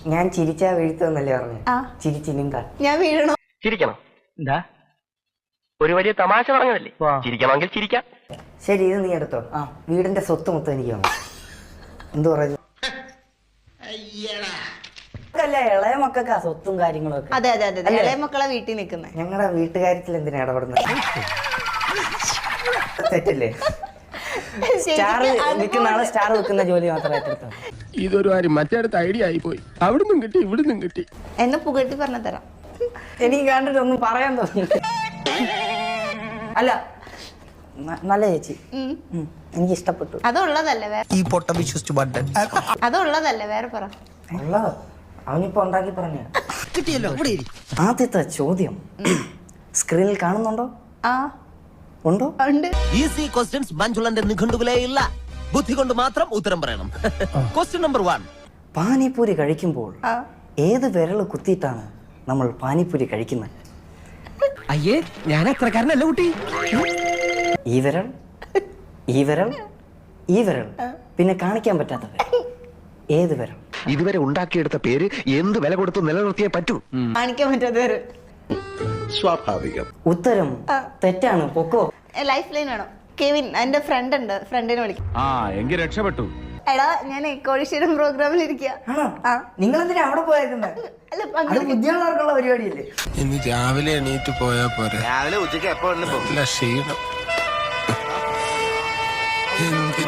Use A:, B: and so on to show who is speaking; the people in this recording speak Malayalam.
A: ഞാൻ ചിരിച്ചാ വീഴ്ത്തുന്നല്ലേ പറഞ്ഞു.
B: ആ.
A: ചിരിച്ചിനിങ്ക
B: ഞാൻ വീഴണോ?
C: ചിരിക്കണം. എന്താ ഒരു വലിയ തമാശ പറഞ്ഞതല്ലേ? ചിരിക്കണമെങ്കിൽ ചിരിക്കാം.
A: ശരി, ഇത് നീ എടുത്തോ. ആ, വീടിന്റെ സ്വത്ത് മൊത്തം എനിക്ക് വേണം. എന്തു പറയുന്നു? അല്ല, ഇളയ മക്കൾക്കാ സ്വത്തും കാര്യങ്ങളും ഒക്കെ.
B: അതെ അതെ അതെ, ഇളയ മക്കളെ വീട്ടിൽ നിൽക്കുന്നത്.
A: ഞങ്ങളുടെ വീട്ടുകാര്യത്തിൽ എന്തിനാ ഇടപെടുന്നത്? തെറ്റല്ലേ? സ്റ്റാർ വിൽക്കുന്ന ആള് സ്റ്റാർ വെക്കുന്ന ജോലി മാത്രമേ ഏറ്റെടുത്തോ.
D: ഇതൊരു കാര്യം മറ്റേടത്ത് ഐഡിയ ആയി പോയി. അവിടുന്നും കിട്ടി ഇവിടുന്നും കിട്ടി.
B: എന്നെ പുകഴ്ത്തി പറഞ്ഞു തരാം.
A: എനിക്ക് കണ്ടിട്ടൊന്നും പറയാൻ തോന്നുന്നു. അല്ല, നല്ല ചേച്ചി, എനിക്ക് ഇഷ്ടപ്പെട്ടു.
B: അതുള്ളതല്ലേ വേറെ?
E: ഈ പൊട്ട വിശ്വസിച്ചു ബട്ടൻ
B: അതുള്ളതല്ലേ വേറെ പറ.
A: ഉള്ളത് അവനിപ്പോ ഉണ്ടാക്കി പറഞ്ഞ
E: കിട്ടിയല്ലോ.
A: ആദ്യത്തെ ചോദ്യം സ്ക്രീനിൽ കാണുന്നുണ്ടോ?
B: ആ
A: ഉണ്ടോ?
B: ഉണ്ട്.
E: ഈസി ക്വസ്റ്റ്യൻസ് മഞ്ജുളന്റെ നിഘണ്ടുവിലേ ഇല്ല. ബുദ്ധി കൊണ്ട് മാത്രം ഉത്തരം പറയണം. Question number 1.
A: പാനിപ്പൂരി കഴിക്കുമ്പോൾ
B: ആ
A: ഏത് വിരൽ കുത്തിയിട്ടാണ് നമ്മൾ പാനിപ്പൂരി കഴിക്കുന്നത്?
E: അയ്യേ, ഞാൻ അത്രക്കാരനല്ല കുട്ടി.
A: ഈ വിരൽ, ഈ വിരൽ, ഈ വിരൽ, പിന്നെ കാണിക്കാൻ പറ്റാത്ത വിരൽ. ഏത് വിരൽ?
C: ഇതുവരെ ഉണ്ടാക്കിയെടുത്ത പേര് എന്ത് വില കൊടുത്ത് നിലനിർത്തിയേ പറ്റൂ.
B: കാണിക്കാൻ പറ്റാത്ത വേറെ.
C: സ്വാഭാവികം.
A: ഉത്തരം തെറ്റാണ്. പൊക്കോ.
B: ലൈഫ് ലൈൻ വേണം. കെവിൻ, എന്റെ ഫ്രണ്ട് ഉണ്ട്, ഫ്രണ്ടിനെ വിളിക്കും.
F: എങ്കിൽ രക്ഷപ്പെട്ടു.
B: എടാ, ഞാൻ കോടീശ്വരം പ്രോഗ്രാമിൽ ഇരിക്കുക.
A: നിങ്ങൾ എന്തിനാ അവിടെ പോയേക്കുന്നത്?
B: അല്ല,
A: അത് ബുദ്ധിയുള്ളവർക്കുള്ള പരിപാടിയല്ലേ?
D: ഇനി രാവിലെ എണീറ്റ് പോയാ പോരെ.
C: രാവിലെ ഉച്ചയ്ക്ക് എപ്പോ
D: ക്ഷീണം.